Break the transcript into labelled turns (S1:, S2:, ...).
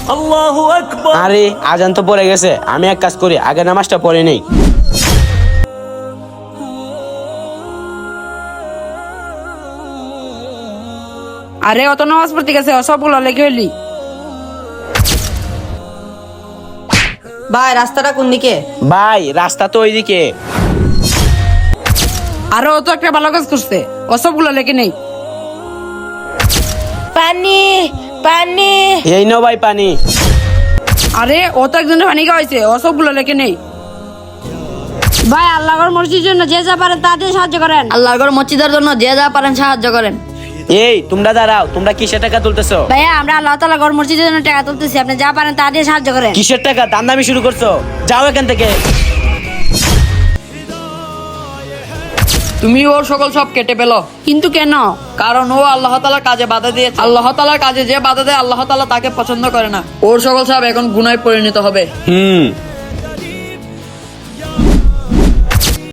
S1: আল্লাহু আকবার।
S2: আরে আজান তো পড়ে গেছে, আমি এক কাজ করি, আগে নামাজটা পড়ে নেই।
S3: আরে অত নামাজ পড়তে গেছে, সবগুলো লেগে হইলি।
S4: ভাই রাস্তাটা কোন দিকে?
S2: ভাই রাস্তা তো ওইদিকে।
S3: আরে ও তো একটা ভালো কাজ করছে, সবগুলো লেগে নেই।
S4: পানি পানি।
S2: এই নাও ভাই পানি।
S3: আরে ও তো একজনের পানি খাওয়াইছে, সবগুলো লেগে নেই। ভাই আল্লাহর মসজিদের জন্য যে যা পারেন তা দিয়ে সাহায্য করেন।
S4: আল্লাহর মসজিদের জন্য যে যা পারেন সাহায্য করেন।
S2: এই তোমরা দাঁড়াও, তোমরা কিসের টাকা তুলতেছো?
S3: ভাইয়া আমরা আল্লাহ তাআলা ঘর মসজিদের জন্য টাকা তুলতেছি, আপনি যা পারেন তা দিয়ে সাহায্য করেন।
S2: কিসের টাকা? দান্দামি শুরু করছো, যাও এখান থেকে।
S5: তুমি ওর সকল সব কেটে পেলো,
S3: কিন্তু কেন?
S5: কারণ ও আল্লাহ তাআলার কাজে বাধা দিয়েছে। আল্লাহ তাআলার কাজে যে বাধা দেয় আল্লাহ তাআলা তাকে পছন্দ করে না। ওর সকল সব এখন গুনায় পরিণত হবে।